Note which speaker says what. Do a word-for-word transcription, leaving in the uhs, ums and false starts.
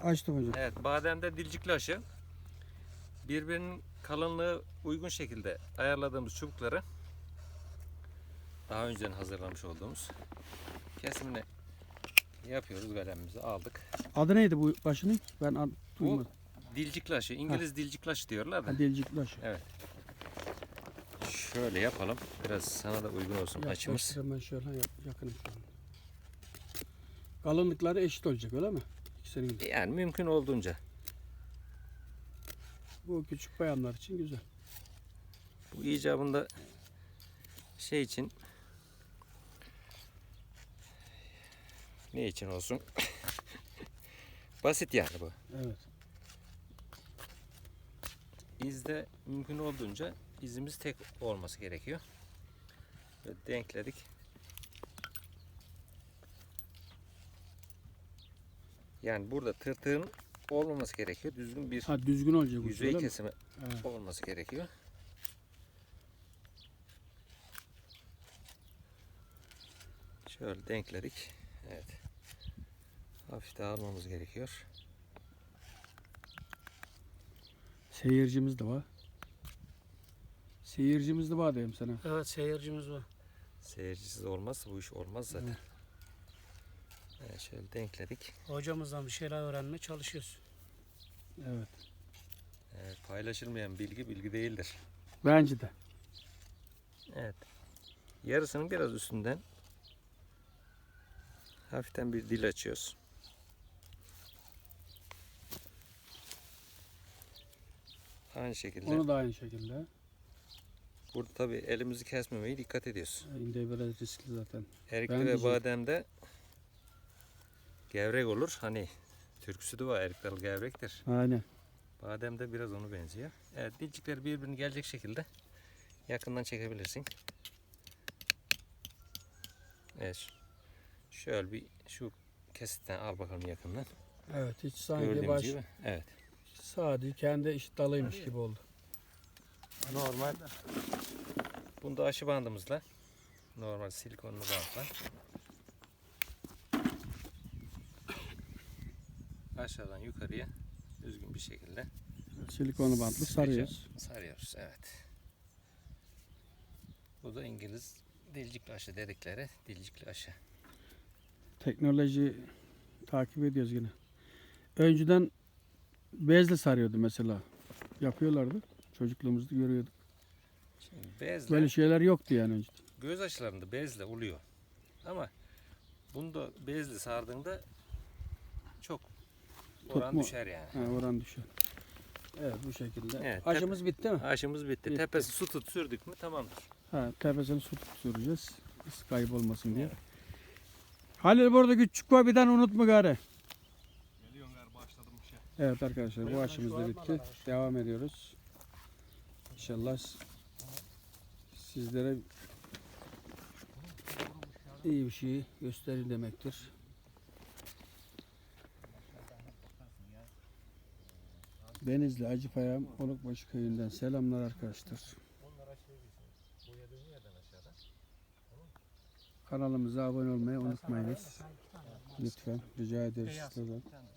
Speaker 1: Açtım hocam.
Speaker 2: Evet, bademde dilcikli aşı. Birbirinin kalınlığı uygun şekilde ayarladığımız çubukları daha önceden hazırlamış olduğumuz kesimini yapıyoruz. Kalemimizi aldık.
Speaker 1: Adı neydi bu başının? Ben ad,
Speaker 2: Bu
Speaker 1: duymadım.
Speaker 2: dilcikli aşı. İngiliz dilcikli aşı diyorlar da.
Speaker 1: Ha, dilcikli aşı.
Speaker 2: Evet. Şöyle yapalım. Biraz sana da uygun olsun açımız.
Speaker 1: Yaklaştır, ben şöyle yap, yakınım şu an. Kalınlıkları eşit olacak öyle mi? İkisinin de.
Speaker 2: Yani mümkün olduğunca.
Speaker 1: Bu küçük bayanlar için güzel.
Speaker 2: Bu icabında şey için ne için olsun? Basit yani bu.
Speaker 1: Evet.
Speaker 2: İzde mümkün olduğunca izimiz tek olması gerekiyor. Böyle denkledik. Yani burada tırtığın olmaması gerekiyor. Düzgün bir
Speaker 1: Ha, düzgün olacak bu.
Speaker 2: yüzey
Speaker 1: öyle mi?
Speaker 2: kesimi
Speaker 1: Evet.
Speaker 2: olması gerekiyor. Şöyle denkledik. Evet. Hafif dağılmamız gerekiyor.
Speaker 1: Seyircimiz de var. Seyircimiz de var diyeyim sana.
Speaker 3: Evet, seyircimiz var.
Speaker 2: Seyircisiz olmazsa bu iş olmaz zaten.
Speaker 1: Evet.
Speaker 2: Evet, şöyle denkledik.
Speaker 3: Hocamızdan bir şeyler öğrenmeye çalışıyoruz.
Speaker 1: Evet.
Speaker 2: Evet, paylaşılmayan bilgi bilgi değildir.
Speaker 1: Bence de.
Speaker 2: Evet. Yarısının biraz üstünden hafiften bir dil açıyoruz. Aynı şekilde.
Speaker 1: Onu da aynı şekilde.
Speaker 2: Burada tabii elimizi kesmemeye dikkat ediyoruz.
Speaker 1: İnde biraz riskli zaten.
Speaker 2: Erikli
Speaker 1: Ben
Speaker 2: ve
Speaker 1: diyeceğim.
Speaker 2: bademde gevrek olur. Hani türküsü de var. Erik dalı gevrektir.
Speaker 1: Aynen.
Speaker 2: Bademde biraz onu benziyor. Evet, dilcikleri birbirine gelecek şekilde yakından çekebilirsin. Evet. Şöyle bir şu kesitten al bakalım yakından.
Speaker 1: Evet, hiç sanki
Speaker 2: Gördüğünüz
Speaker 1: baş
Speaker 2: gibi. Evet.
Speaker 1: sadece kendi eşit dalıymış gibi oldu.
Speaker 2: Normal. Bunda aşı bandımızla, normal silikonlu bantla aşağıdan yukarıya düzgün bir şekilde
Speaker 1: Silikonlu bantlı sarıyoruz.
Speaker 2: sarıyoruz. Evet. Bu da İngiliz dilcikli aşı dedikleri dilcikli aşı.
Speaker 1: Teknoloji takip ediyoruz yine. Önceden bezle sarıyordu mesela. Yapıyorlardı. Çocukluğumuzda görüyorduk.
Speaker 2: Şimdi bezle,
Speaker 1: Böyle şeyler yoktu yani önceden.
Speaker 2: göz aşılarında bezle oluyor. Ama bunda bezle sardığında çok oran
Speaker 1: Tutma-
Speaker 2: düşer yani.
Speaker 1: Ha, oran düşer. Evet, bu şekilde.
Speaker 2: Evet,
Speaker 1: Aşımız bitti mi?
Speaker 2: Aşımız bitti.
Speaker 1: Bitti.
Speaker 2: Tepesi su tut sürdük mü tamamdır.
Speaker 1: Ha, tepesini su süreceğiz. Kaybolmasın diye. Halil burada küçük var, bir tane unutma gari.
Speaker 4: Geliyorum gari, başladım bir şey.
Speaker 1: Evet arkadaşlar, bu aşımız da bitti. Devam ediyoruz. İnşallah sizlere iyi bir şey gösterir demektir. Denizli Acıpayam Olukbaşı köyünden selamlar arkadaşlar. Kanalımıza abone olmayı unutmayınız. Lütfen rica ederiz sizlerden.